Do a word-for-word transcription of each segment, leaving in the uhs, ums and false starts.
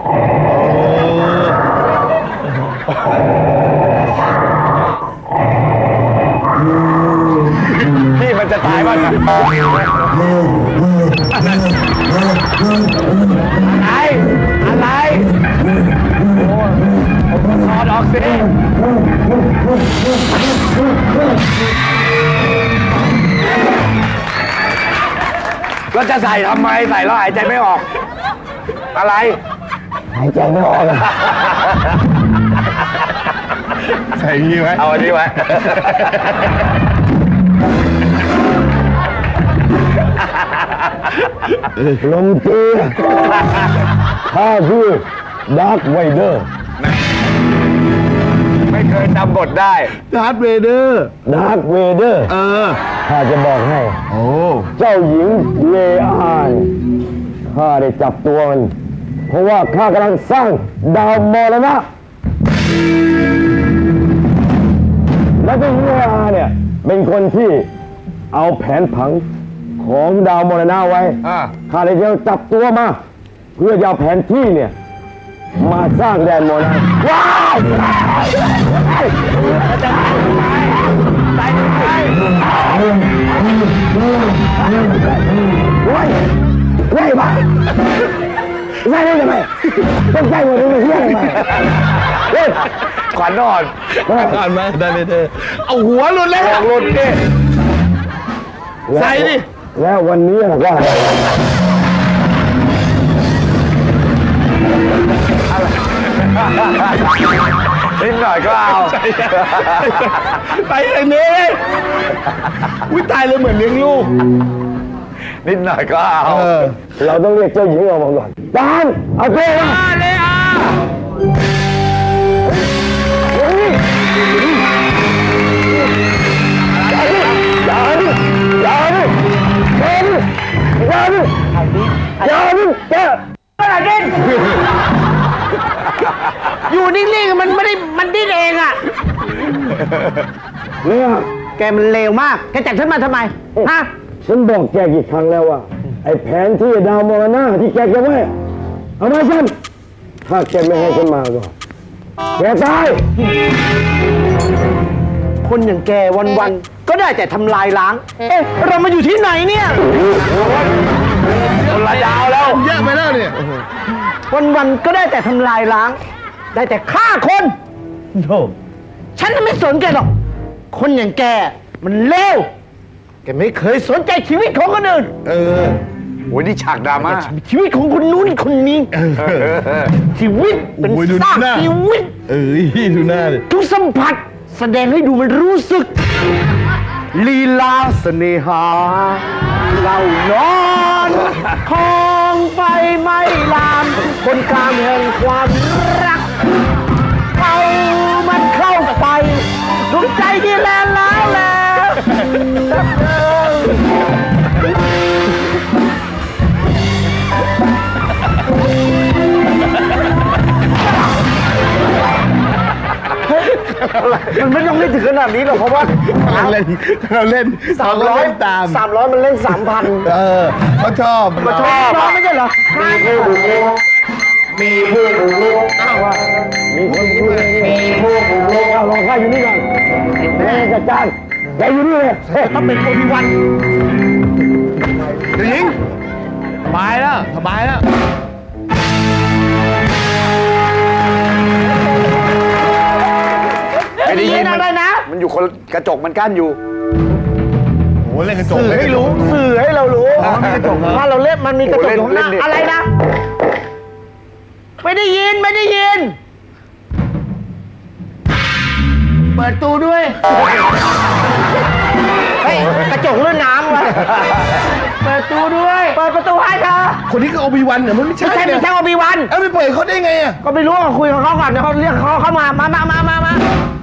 พี่มันจะตายบ้างอะไรอะไรถอดออกสิก็จะใส่ทำไมใส่แล้วหายใจไม่ออกอะไรหายใจไม่ออกใส่นี่ไว้เอาอันนี้ไว้ลมตีข้าคือดาร์คไวเดอร์ไม่เคยจำบทได้ดาร์ธเวเดอร์ดาร์คเวเดอร์เออข้าจะบอกให้โอ้เจ้าหญิงเลอานข้าได้จับตัวมันเพราะว่าข้ากำลังสร้างดาวมรณะและเจ้าหญิงเลอาเนี่ยเป็นคนที่เอาแผนผังของดาวมรณะไว้ข้าเลยจะจับตัวมาเพื่อจะเอาแผนที่เนี่ยมาสร้างแดนมรณะว้าวจะตายตายตายเว้ยเว้ยบ้าใช่ได้ทำไมต้องใจหมดเลยเฮียทำไมเฮ้ยขวัญนอนขวัญมาได้เลยเธอเอาหัวหลุดเลยหลุดดิใส่ดิแล้ววันนี้ว่านิดหน่อยก็เอาไปอย่างนี้อุ้ยตายเลยเหมือนเลี้ยงลูกนิดหน่อยก็เอาเราต้องเรียกเจ้าหญิงออกมาก่อนดานเอาเจ้ามาเลยอ่ะอย่าดิอย่าดิอย่าดิอย่าดิอย่าดิแกอะไรดิ้นอยู่นิ่งๆมันไม่ได้มันดิ้นเองอ่ะเนี่ยแกมันเลวมากแกจับฉันมาทำไมฮะฉันบอกแกกี่ครั้งแล้วว่าไอ้แผนที่ดาวมรณะที่แกจะไว้เอามาฉันถ้าแกไม่ให้ฉันมาก็แกตายคนอย่างแกวันๆก็ได้แต่ทำลายล้างเอ๊ะเรามาอยู่ที่ไหนเนี่ยคนละดาวแล้วเยอะไปแล้วเนี่ยวันๆก็ได้แต่ทำลายล้างได้แต่ฆ่าคนโธ่ฉันไม่สนแกหรอกคนอย่างแกมันเลวแกไม่เคยสนใจชีวิตของคนอื่นเออโอ้ยนี่ฉากดราม่าชีวิตของคนนู้นคนนี้ชีวิตเป็นซากชีวิตเอ้ยดูหน้าเลยทุกสัมผัสแสดงให้ดูมันรู้สึกลีลาเสน่หาเล่านอนคองไฟไม่ลามคนกลางแห่งความรักเอามันเข้าไปดวงใจที่แลนแล้วแล้วมันไม่ต้องเล่นถึงขนาดนี้หรอกเพราะว่าเราเล่นเราเล่นสามร้อยตามสามร้อยมันเล่นสามพันเออเขาชอบเขาชอบไม่ใช่เหรอมีผู้บุกรุกมีผู้บุกรุกอ้าวมีคนพูดมีผู้บุกรุกเอาลองข้าอยู่นี่ก่อนแม่จัดการแกอยู่นี่เลยต้องเป็นคนวันเดี๋ยวยิงสบายแล้วสบายแล้วไม่ได้ยินอะไรนะมันอยู่คนกระจกมันกั้นอยู่โอ้เล่นกระจกสื่อให้รู้สื่อให้เรารู้ว่าเราเล่นมันมีกระจกตรงหน้าอะไรนะไม่ได้ยินไม่ได้ยินเปิดตู้ด้วยเฮ้ยกระจกเลื่อนน้ำวะเปิดตู้ด้วยเปิดประตูให้เธอคนนี้ก็โอบิวันเหรอมันไม่ใช่ไม่ใช่ไม่ใช่โอบิวันเอ้าไปเปิดเขาได้ไงอ่ะก็ไม่รู้ว่าคุยกับเขาก่อนเดี๋ยวเขาเรียกเขาเข้ามามามามามามา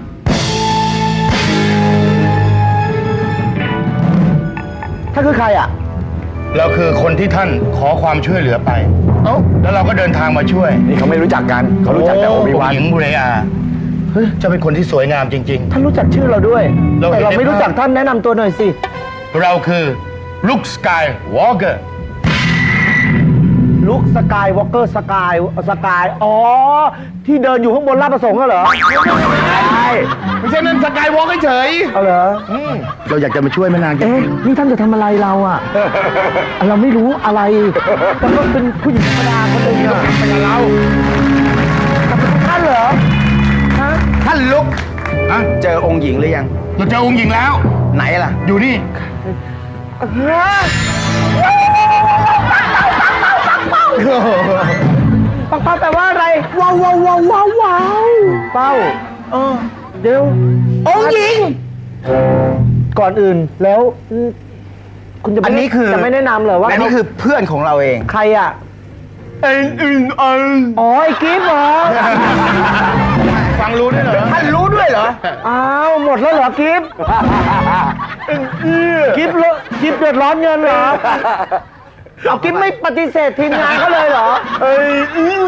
ท่านคือใครอ่ะเราคือคนที่ท่านขอความช่วยเหลือไปเอ้าแล้วเราก็เดินทางมาช่วยนี่เขาไม่รู้จักกันเขารู้จักแต่โอบิวันหญิงบุเรอาจะเป็นคนที่สวยงามจริงๆท่านรู้จักชื่อเราด้วยแต่เราไม่รู้จักท่านแนะนำตัวหน่อยสิเราคือลุคสกายวอล์กเกอร์ลุกสกายวอล์กเกอร์สกายสกายอ๋อที่เดินอยู่ข้างบนลาดประสงค์เหรอใช่ไม่ใช่นั่นสกายวอล์กเฉยเอาเหรอเราอยากจะมาช่วยแม่นางเอ๊ะนี่ท่านจะทำอะไรเราอ่ะ เราไม่รู้อะไรแต่ก็เป็นผู้หญิงธรรมดาคนหนึ่งอะเป็นเราท่านเหรอฮะท่านลุกอะเจอองค์หญิงหรือยังเราเจอองค์หญิงแล้ว ไหนล่ะ อยู่นี่ปังเป้าแปลว่าอะไรว้าวว้าวว้าวว้าวว้าวเป้าเออเดี๋ยวองค์หญิง ก่อนอื่นแล้วอืมคุณจะไม่อันนี้คือจะไม่แนะนำเหรอว่าอันนี้คือเพื่อนของเราเองใครอ่ะเอ็นอึนอันอ๋อไอ้กิฟต์เหรอฟังรู้ด้วยเหรอท่านรู้ด้วยเหรออ้าวหมดแล้วเหรอกิฟต์กิฟต์เลอะกิฟต์เดือดร้อนเงินเหรอเอากิฟต์ไม่ปฏิเสธทีมงานเขาเลยเหรอเอ้ย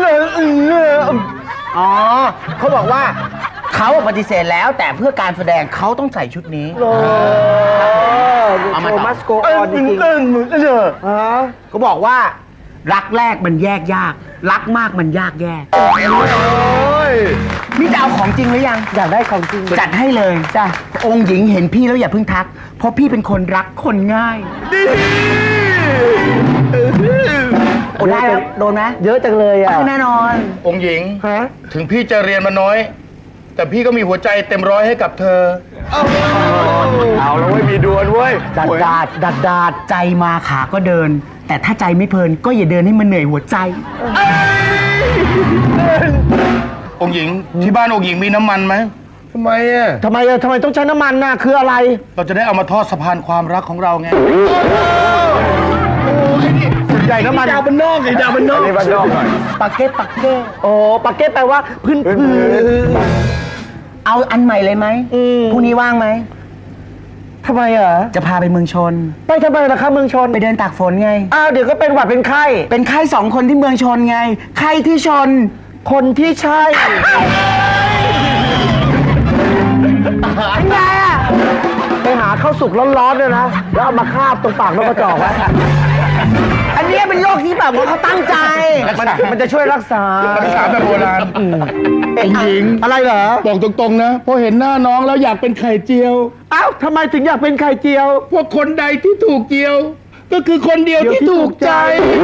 อ๋อเขาบอกว่าเขาปฏิเสธแล้วแต่เพื่อการแสดงเขาต้องใส่ชุดนี้โอ้เอามาโชต่อว์มัสโกออนจริงๆฮะเขาบอกว่า รักแรกมันแยกยาก รักมากมันยากแยกนี่จะเอาของจริงหรือยังอยากได้ของจริงจัดให้เลยจ้ะองค์หญิงเห็นพี่แล้วอย่าเพิ่งทัก เพราะพี่เป็นคนรักคนง่ายโอ้ได้แล้วโดนไหมเยอะจังเลยอ่ะแน่นอนองค์หญิงฮะถึงพี่จะเรียนมาน้อย แต่พี่ก็มีหัวใจเต็มร้อยให้กับเธอเอาแล้วเว้ยมีดวลเว้ยดัดดาดดัดดาดใจมาขาก็เดิน แต่ถ้าใจไม่เพลินก็อย่าเดินให้มันเหนื่อยหัวใจองค์หญิงที่บ้านองค์หญิงมีน้ำมันไหมทำไมอ่ะทำไมอะทำไมต้องใช้น้ำมันน่ะคืออะไรเราจะได้เอามาทอดสะพานความรักของเราไงใหญ่น้ำมันดาวมันนอกไอ้ดาวมันนอกนี่บ้านนอกหน่อยปากเก็ตปากเก็ตโอ้ปากเก็ตแปลว่าพื้นพื้นเอาอันใหม่เลยไหมอืมพรุ่งนี้ว่างไหมทำไมอ่ะจะพาไปเมืองชนไปทำไมล่ะคะเมืองชนไปเดินตากฝนไงอ้าวเดี๋ยวก็เป็นหวัดเป็นไข้เป็นไข้สองคนที่เมืองชนไง ไข้ที่ชนคนที่ใช่เป็นไงอ่ะไปหาข้าวสุกร้อนๆเลยนะแล้วเอามาคาบตรงปากนกกระจอกไว้อันนี้เป็นโรคที่แบบว่าเขาตั้งใจมันมันจะช่วยรักษารักษาแบบโบราณองค์หญิงอะไรเหรอบอกตรงๆนะพอเห็นหน้าน้องแล้วอยากเป็นไข่เจียวอ้าวทำไมถึงอยากเป็นไข่เจียวพวกคนใดที่ถูกเจียว ก็คือคนเดียวที่ถูกใจ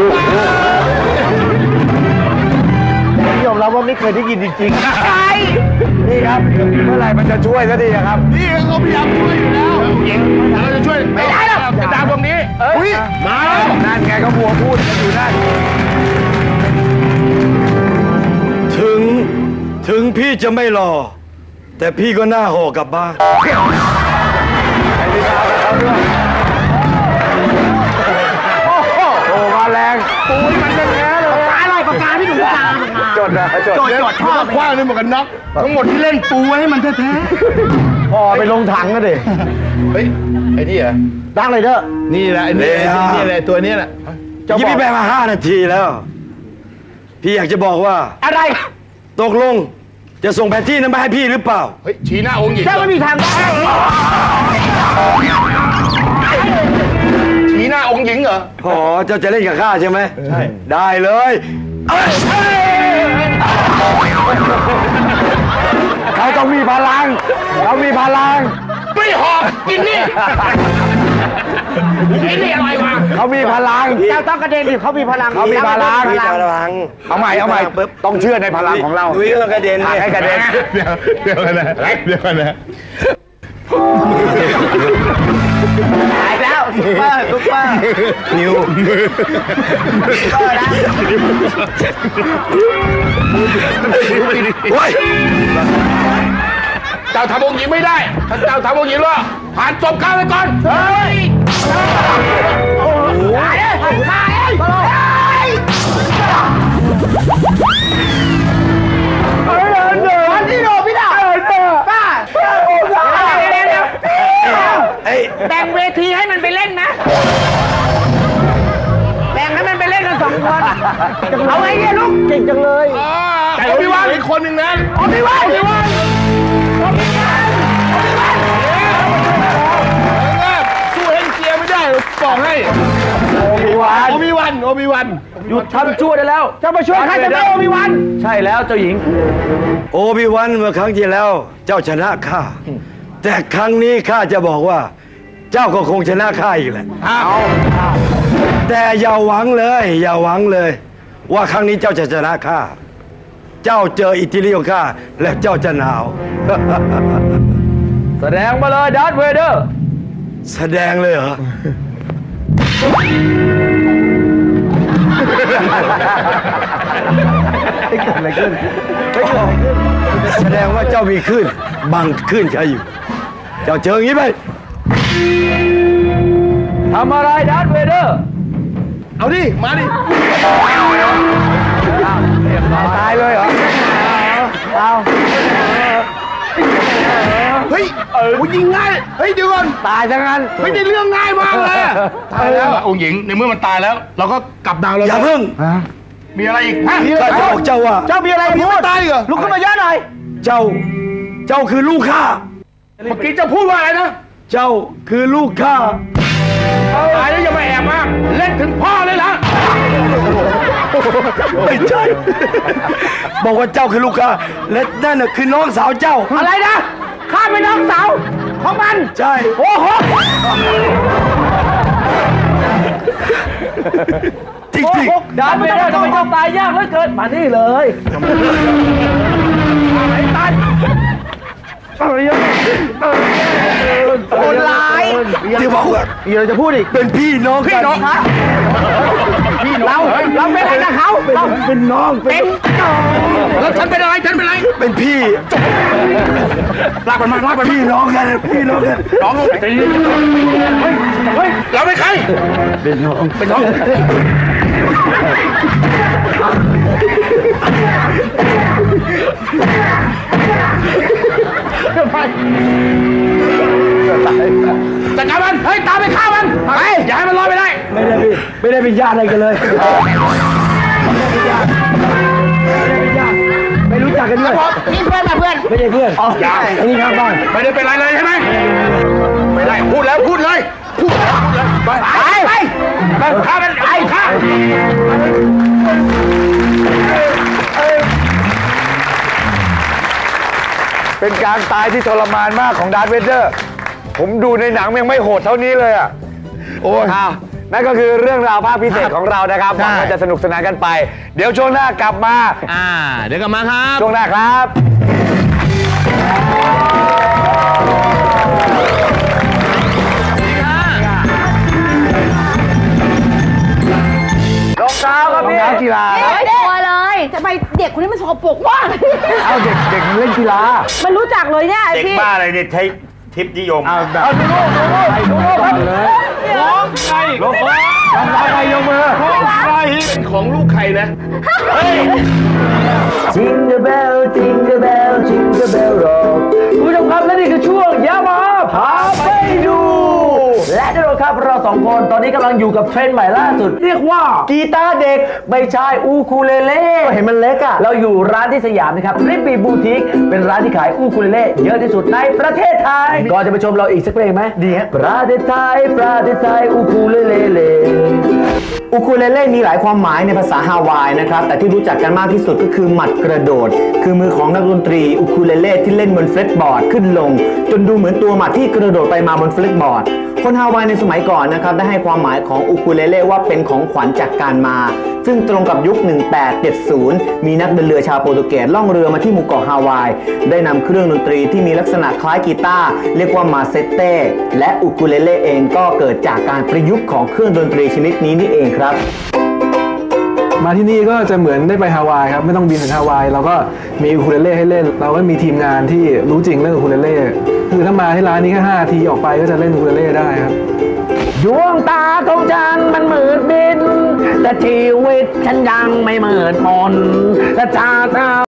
ยอมรับว่าไม่เคยได้ยินจริงๆใช่นี่ครับ เมื่อไหร่มันจะช่วยสักทีอะครับนี่เขาพยายามช่วยอยู่แล้วองค์หญิงเราจะช่วยไม่ได้หรอกดาวตรงนี้อุ้ยมาแล้วนั่นไงก็บัวพูดกันอยู่นั่นถึงถึงพี่จะไม่หล่อแต่พี่ก็น่าห่อกลับบ้านโอ้มาแรงปูยมันเป็นแท้เลยอะไรปากกาที่หนูจามจดนะจดโจทย์โจทย์ชอบคว้างเลยหมวกกันน็อกทั้งหมดที่เล่นปูไว้ให้มันแท้พอไปลงถังก็ดิๆเฮ้ยไอ้นี่เหรอดังเลยเด้อนี่แหละไอ้นี่นี่แหละตัวนี้แหละยี่พี่ไปมาห้านาทีแล้ว พี่อยากจะบอกว่าอะไรตกลงจะส่งแผนที่นั้นมาให้พี่หรือเปล่าเฮ้ยชี้หน้าองค์หญิงเจ้าไม่มีทางได้ชี้หน้าองค์หญิงเหรออ๋อเจ้าจะเล่นกับข้าใช่ไหมใช่ ได้เลยเขาต้องมีพลัง เขามีพลังไม่หอบกินนี่ไอ้นี่อะไรวะเขามีพลังเจ้าต้องกระเด็นดิเขามีพลังเขามีพลังมีพลังเอาใหม่ เอาใหม่ ต้องเชื่อในพลังของเราดุยก็กระเด็นผลักให้กระเด็นเดี๋ยวเดี๋ยวกันนะเดี๋ยวกันนะตายแล้วซุปเปอร์ซุปเปอร์นิวซุปเปอร์นะโอ้ยเจ้าทำองค์หญิงไม่ได้ ถ้าเจ้าทำองค์หญิงแล้วผ่านจบข้าไปก่อน เฮ้ยตายเลยตายเลยพี่โดพี่ดาป้าไอ้แบ่งเวทีให้มันไปเล่นนะ แบ่งให้มันไปเล่นกันสองคน เอาไงเนี่ยลูกเก่งจังเลยแต่พี่ว่าอีกคนหนึ่งนั้นเอาพี่วันพี่วันสู้เฮงเจียไม่ได้บอกให้โอ้มีวันโอบิวันโอบิวันหยุดทำชั่วได้แล้วจะมาช่วยใครจะไม่โอบิวันใช่แล้วเจ้าหญิงโอบิวันเมื่อครั้งที่แล้วเจ้าชนะข้าแต่ครั้งนี้ข้าจะบอกว่า เจ้าก็คงชนะข้าอีกแหละแต่อย่าหวังเลย อย่าหวังเลย ว่าครั้งนี้เจ้าจะชนะข้าเจ้าเจออิทธิฤทธิ์ของข้าและเจ้าจะหนาวแสดงมาเลยดาร์ธเวเดอร์แสดงเลยเหรอ แสดงว่าเจ้ามีคลื่นบังคลื่นใครอยู่ เจ้าเจออย่างนี้ไปทำอะไรดาร์ธเวเดอร์เอาดิมาดิตายเลยเหรอเฮ้ยโอ้ยิงง่ายเฮ้ยเดี๋ยวก่อนตายทั้งนั้นไม่ได้เรื่องง่ายมากเลยอะตายแล้วองค์หญิงในเมื่อมันตายแล้ว เราก็กลับดาวแล้วอย่าเพิ่งมีอะไรอีกฮะข้าจะบอกเจ้าว่าเจ้ามีอะไรพูดตายเหรอลุกขึ้นมาเยอะหน่อยเจ้า เจ้าคือลูกข้าเมื่อกี้เจ้าพูดว่าอะไรนะเจ้าคือลูกข้าตายแล้วอย่ามาแอบมากเล่นถึงพ่อเลยล่ะไม่ใช่ บอกว่าเจ้าคือลูกข้าและนั่นน่ะคือน้องสาวเจ้าอะไรนะ ข้าเป็นน้องสาวของมันใช่โอ้โหจริงดาร์ธเวเดอร์ทำไมเจ้าตายยากเหลือเกิน มานี่เลยไอ้ตันคนร้ายๆที่บอกว่ามีอะไรจะพูดอีกเป็นพี่น้องกันพี่น้องเราเป็นอะไรนะเขาเราเป็นน้องเป็นแล้วฉันเป็นอะไรฉันเป็นอะไรเป็นพี่ลากมันมาลากมันพี่น้องกันพี่น้องกันน้องใจเย็นเฮ้ยเฮ้ยเราเป็นใครเป็นน้องเป็นน้องจัดการมันเฮ้ยตามไปฆ่ามันไปอย่าให้มันลอยไปได้ไม่ได้พี่ไม่ได้เป็นญาติอะไรกันเลยไม่รู้จักกันด้วยนี่เพื่อนมาเพื่อนไม่ใช่เพื่อนอย่าอันนี้ข้างบ้านไม่ได้เป็นไรเลยใช่ไหมไม่ได้พูดแล้วพูดเลยพูดแล้วพูดเลยไปไปไปฆ่ามันไอ้ฆ่าเป็นการตายที่ทรมานมากของดาร์ธเวเดอร์ ผมดูในหนังยังไม่โหดเท่านี้เลยอ่ะโอ้ยอ้าวนั่นก็คือเรื่องราวภาคพิเศษของเรานะครับหวังว่าจะสนุกสนานกันไป เดี๋ยวช่วงหน้ากลับมาอ่า เดี๋ยวกลับมาครับช่วงหน้าครับรองเท้าครับพี่รองเท้ากีฬาไม่ได้ตัวเลยทำไมเด็กคนนี้มันสกปรกมากเอาเด็กเด็กเล่นกีฬามันรู้จักเลยเนี่ยไอเด็กพี่บ้าอะไรเนี่ยใช้ทิปนิยมเอาแบบเอาดูโน่ดูโน่ดูโน่ครับร้องใครร้องใครยกมือเป็นของลูกใครนะ Jingle bell Jingle bell Jingle bell rock คุณผู้ชมครับและนี่คือช่วงยามาพาไปดู และแน่นอนครับเราสองคนตอนนี้กำลังอยู่กับเทรนด์ใหม่ล่าสุด เรียกว่ากีตาร์เด็กไม่ใช่อูคูเลเล่เห็นมันเล็กอะเราอยู่ร้านที่สยามนะครับริบบีบูติกเป็นร้านที่ขายอูคูเลเล่เยอะที่สุดในประเทศไทยก่อนจะไปชมเราอีกสักเพลงไหมดีฮะประเทศไทยประเทศไทยอูคูเลเล่อูคูเลเล่มีหลายความหมายในภาษาฮาวายนะครับแต่ที่รู้จักกันมากที่สุดก็คือหมัดกระโดดคือมือของนักดนตรีอูคูเลเล่ที่เล่นบนเฟลตบอร์ดขึ้นลงจนดูเหมือนตัวหมัดที่กระโดดไปมาบนเฟลตบอร์ดคนฮาวายในสมัยก่อนนะครับได้ให้ความหมายของอูคูเลเล่ว่าเป็นของขวัญจากการมาซึ่งตรงกับยุคหนึ่งแปดเจ็ดศูนย์มีนักเดินเรือชาวโปรตุเกสล่องเรือมาที่หมู่เกาะฮาวายได้นำเครื่องดนตรีที่มีลักษณะคล้ายกีตาร์เรียกว่ามาเซเต้และอูคูเลเล่เองก็เกิดจากการประยุกต์ของเครื่องดนตรีชนิดนี้นี่เองครับมาที่นี่ก็จะเหมือนได้ไปฮาวายครับไม่ต้องบินถึงฮาวายเราก็มีอูคูเลเล่ให้เล่น เราก็มีทีมงานที่รู้จริงเรื่องอูคูเลเล่คือถ้ามาที่ร้านนี้แค่ห้านาทีออกไปก็จะเล่นอูคูเลเล่ได้ครับดวงตาของฉันมันมืดมิดแต่ชีวิตฉันยังไม่มืดมนแต่ชาตา